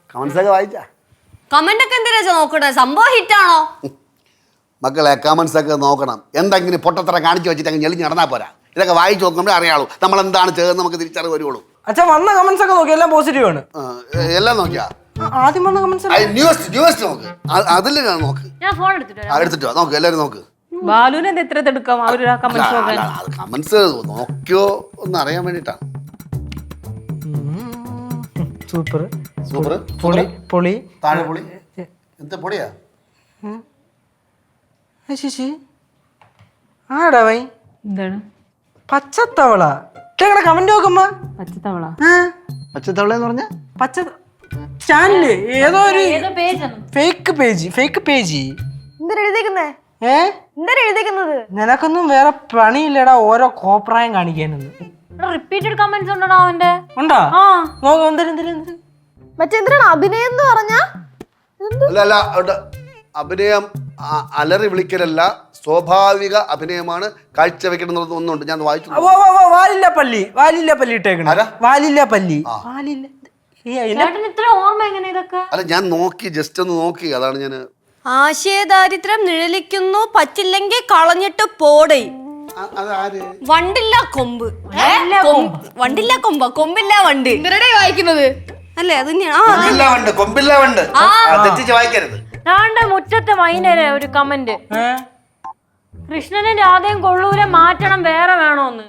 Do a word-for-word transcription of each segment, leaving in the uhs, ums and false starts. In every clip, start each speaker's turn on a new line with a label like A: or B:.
A: Comments ഒക്കെ വായിച്ചാ?
B: Comment ഒക്കെ എന്തിനാ നോക്കണേ? സംഭവം ഹിറ്റാണോ?
A: മക്കളെ കമന്റ്സ് ഒക്കെ നോക്കണം. എന്തെങ്കിലും പൊട്ടത്തറ കാണിച്ചു വെച്ചിട്ട് അങ്ങ് ഞെളിഞ്ഞ് നടന്നാൽ പോരാ. ഇതൊക്കെ വായിച്ചു നോക്കുമ്പോഴേ അറിയാളൂ നമ്മൾ എന്താണ് ചെയ്തതെന്ന് നമുക്ക് തിരിച്ചറിവ് വരുള്ളൂ.
C: അച്ഛാ വന്ന കമന്റ്സ് ഒക്കെ നോക്കി എല്ലാം പോസിറ്റീവ് ആണ്.
A: എല്ലാം നോക്കിയാ?
C: ആദ്യം വന്ന കമന്റ്സ്
A: ന്യൂസ് ന്യൂസ് നോക്ക്. അതിൽ നോക്ക്.
B: ഞാൻ ഫോൺ എടുത്തിട്ട്
A: എടുത്തിട്ടോ നോക്ക്. എല്ലാവരും നോക്ക്.
D: ബാലുവിനെ എത്ര എടുക്കാം? അവര്
A: കമന്റ്സ് നോക്കിയോ ഒന്ന് അറിയാൻ വേണ്ടിട്ടാണ്.
C: സൂപ്പർ
A: സൂപ്പർ
C: പൊളി പൊളി
A: താഴെ പൊളി. എന്താ പൊളിയാ?
C: ശശി ആടാ വൈ
D: എന്താണ്
C: പച്ചത്തവള? കമന്റ് നോക്കുമ്പോ
D: പച്ചത്തവള
A: പച്ചത്തവള എന്ന് പറഞ്ഞ
C: പച്ച ചാനല് ഏതോ ഒരു ഫേക്ക് പേജ് ഫേക്ക് പേജ്. ഏ നിനക്കൊന്നും വേറെ പണിയില്ലടാ ഓരോ കോപ്രായം കാണിക്കാനൊന്നും.
D: റിപ്പീറ്റഡ് കമന്റ്സ് ഉണ്ടോ അവന്റെ?
C: ഉണ്ടോ? നോക്കാം. എന്തിനും എന്തിനും
E: മറ്റെന്തിനാണ് അഭിനയം എന്ന് പറഞ്ഞാ?
A: അല്ല അല്ല അഭിനയം അലറി വിളിക്കലല്ല, സ്വാഭാവിക അഭിനയമാണ് കാഴ്ചവെക്കണം. ഒന്നുണ്ട് ഞാൻ വായിച്ചു.
C: വാലില്ല പല്ലി വാലില്ല പല്ലി ഇട്ടേക്കണ വാലില്ല പല്ലി വാലില്ല.
A: അല്ല ഞാൻ നോക്കി, ജസ്റ്റ് ഒന്ന് നോക്കി. അതാണ് ഞാൻ.
B: ആശയദാരിദ്ര്യം നിഴലിക്കുന്നു, പറ്റില്ലെങ്കിൽ കളഞ്ഞിട്ട് പോടേ. വണ്ടില്ല കൊമ്പ്. വണ്ടില്ല കൊമ്പ കൊമ്പില്ല വണ്ട് വായിക്കുന്നത് അല്ലേ? അത് തന്നെയാണ്.
A: കൊമ്പില്ല വണ്ട് തെറ്റിച്ച് വായിക്കരുത്.
D: മുറ്റത്തെ മൈനരെ ഒരു കമന്റ്, കൃഷ്ണനും രാധയും കൊള്ളൂരെ മാറ്റണം, വേറെ വേണോന്ന്.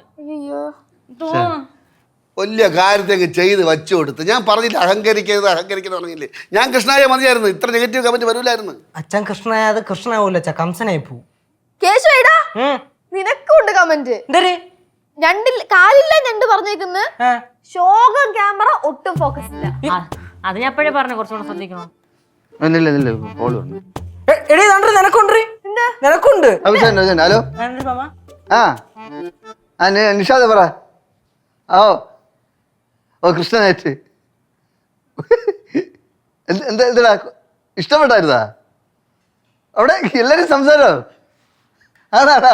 A: വലിയ കാര്യത്തേക്ക് ചെയ്ത് വച്ചു കൊടുത്ത്. ഞാൻ പറഞ്ഞില്ല അഹങ്കരിക്കരുത് അഹങ്കരിക്കരുത് പറഞ്ഞില്ലേ? ഞാൻ കൃഷ്ണായ മതിയായിരുന്നു, ഇത്ര നെഗറ്റീവ് കമന്റ് വരൂലായിരുന്നു.
C: അച്ഛൻ കൃഷ്ണായത് കൃഷ്ണാവൂല കംസനായി പോവും.
E: കേശുവേടാ നിനക്കുണ്ട് കമന്റ്. രണ്ടിൽ കാലില്ല ഞണ്ട് പറഞ്ഞേക്കുന്നു. ശോകം ക്യാമറ ഒട്ടും ഫോക്കസ് ഇല്ല.
D: അത് ഞാൻ എപ്പോഴേ പറഞ്ഞു, കുറച്ചുകൂടെ ശ്രദ്ധിക്കണം.
F: ഹലോ ആ നിഷാദ് പറ. ഓ ഓ കൃഷ്ണനായിട്ട് എന്താ എന്താ ഇഷ്ടപ്പെട്ടായിരുന്നാ? അവിടെ എല്ലാരും സംസാരോ? ആണാടാ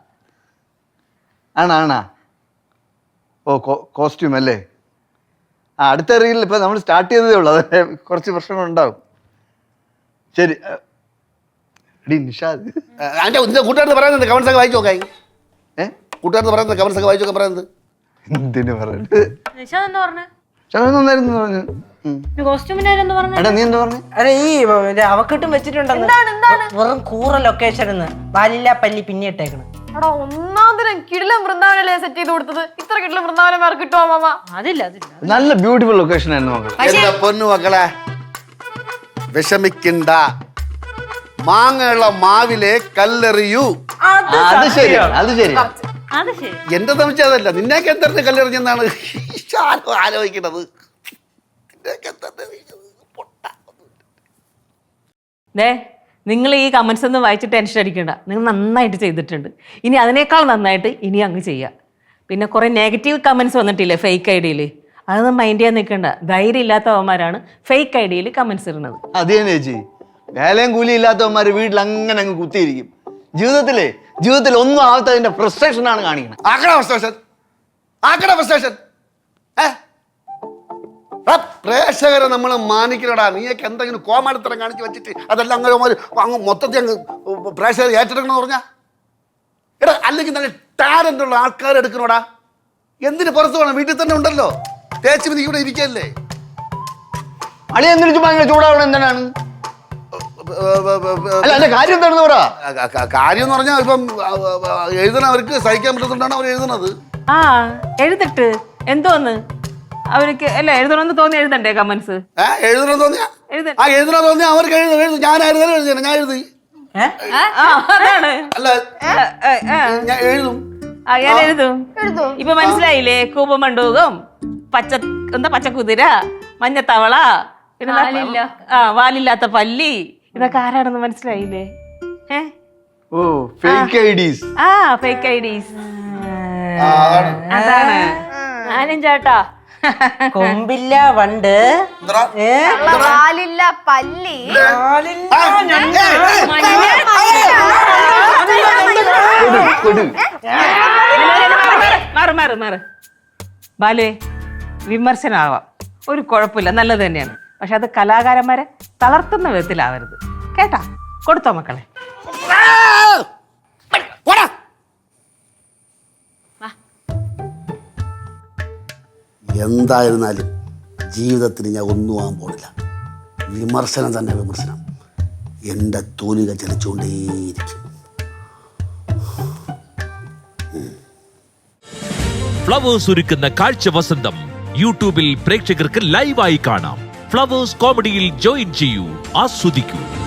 F: ആണാ ആണാ ഓ കോസ്റ്റ്യൂം അല്ലേ? ആ അടുത്ത റീലിൽ ഇപ്പം നമ്മൾ സ്റ്റാർട്ട് ചെയ്തതേ ഉള്ളൂ, അതെ കുറച്ച് പ്രശ്നങ്ങളുണ്ടാവും. ശരി എടീ നിഷാദ്
A: കൂട്ടുകാർക്ക് പറയുന്നത് കമന്റ്സ് ഒക്കെ വായിച്ചു നോക്കായി. ഏഹ് കൂട്ടുകാർക്ക് പറയുന്നത് കമന്റ്സ് ഒക്കെ വായിച്ചു നോക്കാൻ പറയുന്നത്
F: എന്തിനു പറയുന്നത്? നന്നായിരുന്നു പറഞ്ഞു. എടാ നീ എന്താ പറഞ്ഞു?
C: അല്ല ഈ അവക്കിട്ടും വെച്ചിട്ടുണ്ടെന്ന് വെറും കൂറ ലൊക്കേഷൻ വാലില്ല പല്ലി പിന്നെ ഇട്ടേക്കണം.
E: ഒന്നാമതിനും കിടിലം വൃന്ദാവനല്ലേ സെറ്റ് ചെയ്ത് കൊടുത്തത്. ഇത്ര കിടിലം വൃന്ദാവനം വേറെ കിട്ടുമോ മാമ?
D: അതില്ല അതില്ല
F: നല്ല ബ്യൂട്ടിഫുൾ ലൊക്കേഷൻ ആയിരുന്നു.
A: എന്റെ പൊന്നു മക്കളെ വിഷമിക്കണ്ട, മാങ്ങയുള്ള മാവിലെ കല്ലെറിയൂ.
F: അത് ശരി അത് ശരി
D: അത് ശരി.
A: എന്റെ സംശയം അതല്ല, നിന്നേക്ക് എന്തറിഞ്ഞ് കല്ലെറിഞ്ഞെന്നാണ് ആലോചിക്കണത്.
D: ദേ നിങ്ങൾ ഈ കമന്റ്സ് ഒന്നും വായിച്ച് ടെൻഷൻ അടിക്കണ്ട, നിങ്ങൾ നന്നായിട്ട് ചെയ്തിട്ടുണ്ട്. ഇനി അതിനേക്കാൾ നന്നായിട്ട് ഇനി അങ്ങ് ചെയ്യാം. പിന്നെ കുറെ നെഗറ്റീവ് കമന്റ്സ് വന്നിട്ടില്ലേ ഫേക്ക് ഐ ഡിയിൽ, അതൊന്നും മൈൻഡ് ചെയ്യാൻ നിൽക്കണ്ട. ധൈര്യം ഇല്ലാത്തവന്മാരാണ് ഫേക്ക് ഐ ഡിയിൽ കമന്റ്സ് ഇടുന്നത്.
F: അത് തന്നെ ചേച്ചി, വേലയും കൂലി ഇല്ലാത്തവന്മാര് വീട്ടിൽ അങ്ങനെ അങ്ങ് കുത്തിയിരിക്കും. ജീവിതത്തിലെ ജീവിതത്തിൽ ഒന്നും ആവാത്തതിന്റെ ഫ്രസ്ട്രേഷൻ ആണ് കാണിക്കുന്നത്.
A: ആക്കട ഫ്രസ്ട്രേഷൻ ആക്കട ഫ്രസ്ട്രേഷൻ പ്രേക്ഷകരെ നമ്മൾ മാനിക്കണടാ. നീയൊക്കെ എന്തെങ്കിലും കോമാളിത്തരം കാണിച്ച് വെച്ചിട്ട് അതെല്ലാം അങ്ങനെ അങ്ങ് മൊത്തത്തിൽ അങ്ങ് പ്രേക്ഷകർ ഏറ്റെടുക്കണമെന്ന് പറഞ്ഞാ എടാ, അല്ലെങ്കിൽ നല്ല ടാലന്റ് ഉള്ള ആൾക്കാർ എടുക്കണോടാ. എന്തിന് പുറത്ത് വേണം? വീട്ടിൽ തന്നെ ഉണ്ടല്ലോ, തേച്ച് നീ ഇവിടെ ഇരിക്കല്ലേ.
F: അളി എന്തിനു ഭയങ്കര ചൂടാവണം? എന്തിനാണ് കാര്യം എന്താണെന്ന് പറ.
A: കാര്യം എന്ന് പറഞ്ഞാൽ ഇപ്പം എഴുതണവർക്ക് സഹിക്കാൻ പറ്റുന്നുണ്ടാണ് അവർ എഴുതണത്.
D: ആ എഴുതിട്ട് എന്തോന്ന് അവർക്ക് അല്ല എഴുതണമെന്ന് തോന്നി എഴുതണ്ടേ കമന്റ്സ്?
A: എഴുതണം തോന്നിയാ ആ എഴുതണം തോന്നിയാ അവർക്ക് എഴുതും എഴുതും ഞാനായിരുന്നു എഴുതിയാണ്. ഞാൻ എഴുതി അല്ല ഞാൻ എഴുതും
D: ഞാൻ എഴുതും. ഇപ്പൊ മനസ്സിലായില്ലേ? കൂപമണ്ടൂകം, പച്ച എന്താ പച്ചക്കുതിര, മഞ്ഞത്തവള, പിന്നെ ആ വാലില്ലാത്ത പല്ലി, ഇതൊക്കെ ആരാണെന്ന് മനസ്സിലായില്ലേ? ഏഹ്
F: ഓ ഫേക്ക് ഐഡീസ്.
D: ആ ഫേക്ക് ഐഡീസ് അതാണ്. ഞാനും ചേട്ടാ
C: കൊമ്പില്ല വണ്ട്
E: വാലില്ല പല്ലി
D: മാറ് മാറ് മാറ് ബാലുവേ, വിമർശനമാവാം, ഒരു കുഴപ്പമില്ല, നല്ലത് തന്നെയാണ്. പക്ഷെ അത് കലാകാരന്മാരെ തളർത്തുന്ന വിധത്തിലാവരുത് കേട്ടാ. കൊടുത്തോ മക്കളെ.
A: എന്തായിരുന്നാലും ജീവിതത്തിൽ ഞാൻ ഒന്നും ആകാൻ പോണില്ല. വിമർശനം തന്നെ വിമർശനം. എൻ്റെ തൂലിക ചലിച്ചുകൊണ്ടേയിരിക്കും.
G: ഫ്ലവേഴ്സ് ഒരുക്കുന്ന കാഴ്ച വസന്തം യൂട്യൂബിൽ പ്രേക്ഷകർക്ക് ലൈവായി കാണാം. ഫ്ലവേഴ്സ് കോമഡിയിൽ ജോയിൻ ചെയ്യൂ, ആസ്വദിക്കൂ.